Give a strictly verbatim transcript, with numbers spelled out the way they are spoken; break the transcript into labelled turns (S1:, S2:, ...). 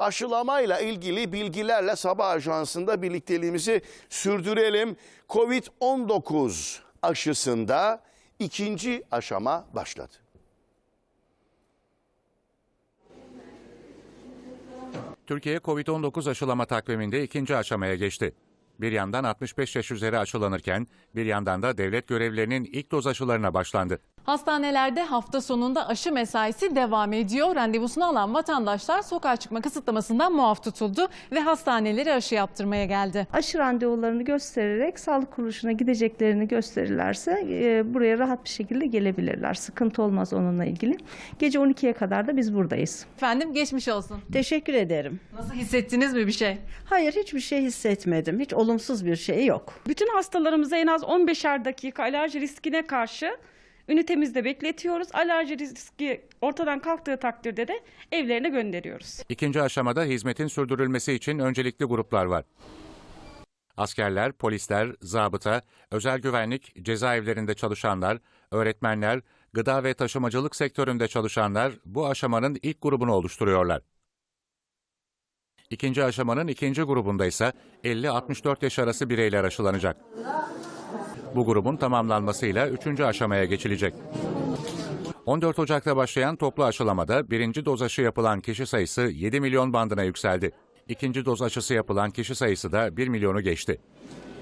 S1: aşılamayla ilgili bilgilerle Sabah Ajansı'nda birlikteliğimizi sürdürelim. Covid on dokuz aşısında ikinci aşama başladı.
S2: Türkiye Covid on dokuz aşılama takviminde ikinci aşamaya geçti. Bir yandan altmış beş yaş üzeri aşılanırken bir yandan da devlet görevlilerinin ilk doz aşılarına başlandı.
S3: Hastanelerde hafta sonunda aşı mesaisi devam ediyor. Randevusunu alan vatandaşlar sokağa çıkma kısıtlamasından muaf tutuldu ve hastanelere aşı yaptırmaya geldi.
S4: Aşı randevularını göstererek sağlık kuruluşuna gideceklerini gösterirlerse e, buraya rahat bir şekilde gelebilirler. Sıkıntı olmaz onunla ilgili. Gece on ikiye kadar da biz buradayız.
S3: Efendim geçmiş olsun.
S5: Teşekkür ederim.
S3: Nasıl hissettiniz mi bir şey?
S5: Hayır, hiçbir şey hissetmedim. Hiç olumsuz bir şey yok.
S6: Bütün hastalarımıza en az on beşer dakika alerji riskine karşı ünitemizde bekletiyoruz. Alerji riski ortadan kalktığı takdirde de evlerine gönderiyoruz.
S2: İkinci aşamada hizmetin sürdürülmesi için öncelikli gruplar var. Askerler, polisler, zabıta, özel güvenlik, cezaevlerinde çalışanlar, öğretmenler, gıda ve taşımacılık sektöründe çalışanlar bu aşamanın ilk grubunu oluşturuyorlar. İkinci aşamanın ikinci grubunda ise elli altmış dört yaş arası bireyler aşılanacak. Bu grubun tamamlanmasıyla üçüncü aşamaya geçilecek. on dört Ocak'ta başlayan toplu aşılamada birinci doz aşı yapılan kişi sayısı yedi milyon bandına yükseldi. İkinci doz aşısı yapılan kişi sayısı da bir milyonu geçti.